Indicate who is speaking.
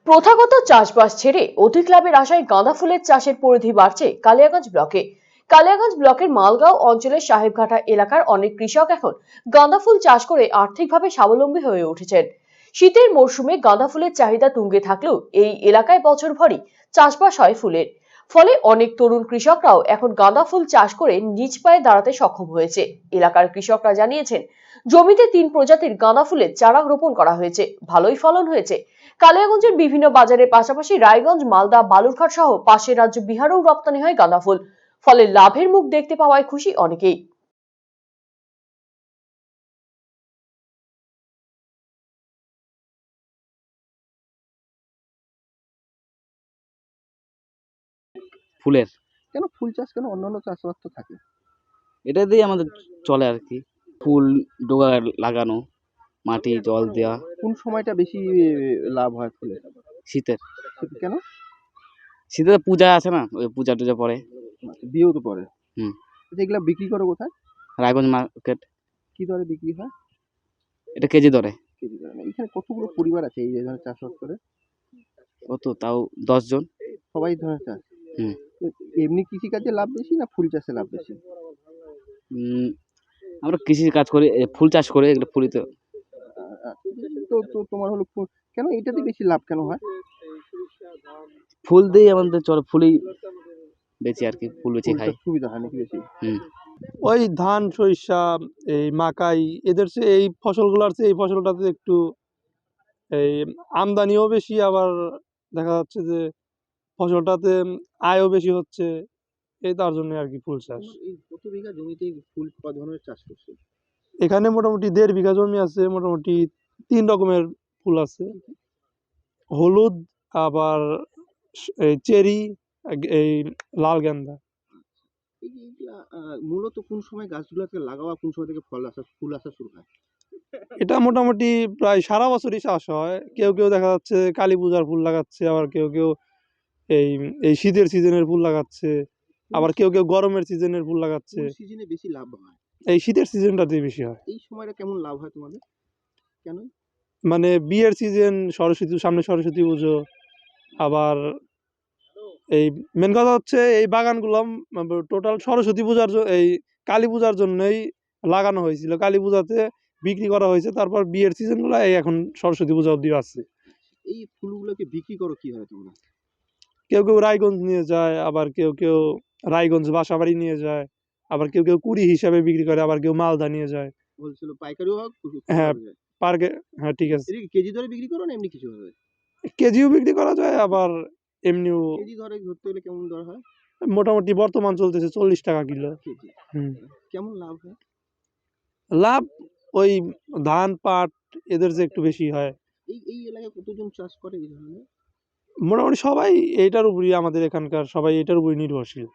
Speaker 1: প্রথাগত চাষবাস ছেড়ে অধিক লাভের আশায় গাঁদা ফুলের চাষের পরিধি বাড়ছে কালিয়াগঞ্জ ব্লকে। কালিয়াগঞ্জ ব্লকের মালগাঁও অঞ্চলের সাহেবঘাটা এলাকার অনেক কৃষক এখন গাঁদা ফুল চাষ করে আর্থিকভাবে স্বাবলম্বী হয়ে উঠেছেন। শীতের মরশুমে গাঁদা ফুলের চাহিদা তুঙ্গে থাকলেও এই এলাকায় বছরভরই চাষবাস হয় ফুলের। ফলে অনেক তরুণ কৃষকরাও এখন গাঁদা ফুল চাষ করে নিজ পায়ে দাঁড়াতে সক্ষম হয়েছে। এলাকার কৃষকরা জানিয়েছেন, জমিতে ৩ প্রজাতির গাঁদা ফুলের চারা রোপণ করা হয়েছে, ভালোই ফলন হয়েছে। কালিয়াগঞ্জের বিভিন্ন বাজারের পাশাপাশি রায়গঞ্জ, মালদা, বালুরঘাট সহ পাশের রাজ্য বিহারেও রপ্তানি হয় গাঁদা ফুল। ফলে লাভের মুখ দেখতে পাওয়ায় খুশি অনেকেই।
Speaker 2: ফুলের
Speaker 3: কেন ফুল চাষ কেন অন্যান্য চাষাবাদ তো থাকে?
Speaker 2: এটা দিয়ে আমাদের চলে আর কি। ফুল ডোগা লাগানো, মাটি জল দেওয়া।
Speaker 3: কোন সময়টা বেশি লাভ হয় ফুলের?
Speaker 2: শীতের
Speaker 3: কেন?
Speaker 2: শীতে তো পূজা আছে না, ওই পূজা টুজা পরে।
Speaker 3: বিয়েও তো পরে।
Speaker 2: হুম।
Speaker 3: এগুলা বিক্রি করো কোথায়?
Speaker 2: রায়গঞ্জ মার্কেট।
Speaker 3: কি দরে বিক্রি হয়?
Speaker 2: এটা কেজি দরে।
Speaker 3: কেজি দরে না। এখানে কতগুলো পরিবার আছে এই ধরনের চাষবাস করে?
Speaker 2: কত তাও 10 জন।
Speaker 3: সবাই এই ধরনের চাষ?
Speaker 2: হুম।
Speaker 3: এমনি কৃষিকাজে লাভ বেশি না ফুল চাষে লাভ বেশি?
Speaker 2: আমরা কৃষি কাজ করি, ফুল চাষ করে এগুলো ফুলই তো।
Speaker 3: তো তো তোমার হলো কেন এটাতে বেশি লাভ কেন হয়?
Speaker 2: ফুল দিয়ে আমাদের চলে, ফুলই বেচি আর কি, ফুল বেচে খাই।
Speaker 3: সুবিধা হয় নাকি বেশি?
Speaker 2: হুম।
Speaker 4: ওই ধান, সরিষা, এই মাকাই, এদের চেয়ে এই ফসলগুলোর চেয়ে এই ফসলটাতে একটু এই আমদানিও বেশি, আবার দেখা যাচ্ছে যে ফসলটাতে আয়ও বেশি হচ্ছে। এই তার জন্য আর কি ফুল চাষ।
Speaker 3: এই কত বিঘা জমিতে ফুল কত ধরনের চাষ করছে?
Speaker 4: এখানে মোটামুটি 1.5 বিঘা জমি আছে, মোটামুটি 3 রকমের ফুল আছে। হলুদ, আবার এই চেরি, এই লাল গেন্দা।
Speaker 3: এইগুলা মূলত কোন সময় গাছগুলোকে লাগাওয়া, কোন সময় থেকে ফুল আসা শুরু হয়?
Speaker 4: এটা মোটামুটি প্রায় সারা বছরই চাষ হয়। কেউ কেউ দেখা যাচ্ছে কালী পূজার ফুল লাগাচ্ছে, আবার কেউ কেউ এই এই শীতের সিজনের ফুল লাগাচ্ছে, আবার কেউ কেউ গরমের সিজনের ফুল লাগাচ্ছে।
Speaker 3: কোন সিজনে বেশি লাভ হয়?
Speaker 4: এই শীতের সিজনটাতে বেশি হয়।
Speaker 3: এই সময়টা কেমন লাভ হয় তোমাদের? কেন?
Speaker 4: মানে বিয়ের সিজন, সামনে সরস্বতী পুজো, আবার এই মেন কথা হচ্ছে এই বাগানগুলো টোটাল সরস্বতী পূজার এই কালী পূজার জন্যই লাগানো হয়েছিল। কালী পূজাতে বিক্রি করা হয়েছে, তারপর বিয়ের সিজনগুলো এই এখন সরস্বতী পূজা অব্দি আছে।
Speaker 3: এই ফুলগুলোকে বিক্রি করো কিভাবে তোমরা?
Speaker 4: কেউ কেউ রায়গঞ্জ নিয়ে যায়, আবার কেউ কেউ রায়গঞ্জ বাসাবাড়ি নিয়ে যায়, আবার কেউ কেউ কুড়ি হিসাবে বিক্রি করে, আবার কেউ মালদা নিয়ে যায়।
Speaker 3: হোলসেল পাইকারিও হোক,
Speaker 4: হ্যাঁ, পার্কে। হ্যাঁ, ঠিক আছে।
Speaker 3: এটা কি কেজি দরে বিক্রি করো না এমনি কিছু ভাবে?
Speaker 4: কেজিও বিক্রি করা যায়, আবার এমনিও।
Speaker 3: কেজি দরে ধরতে গেলে কেমন দর হয়?
Speaker 4: মোটামুটি বর্তমান চলতেছে 40 টাকা কিলো।
Speaker 3: কেজি।
Speaker 4: হুম।
Speaker 3: কেমন লাভ হয়?
Speaker 4: লাভ ওই ধান, পাট এদের যে একটু বেশি হয়।
Speaker 3: এই এলাকায় কতজন চাষ করে এই ধরনের?
Speaker 4: মোটামুটি সবাই এইটার উপরই, আমাদের এখানকার সবাই এটার উপরই নির্ভরশীল।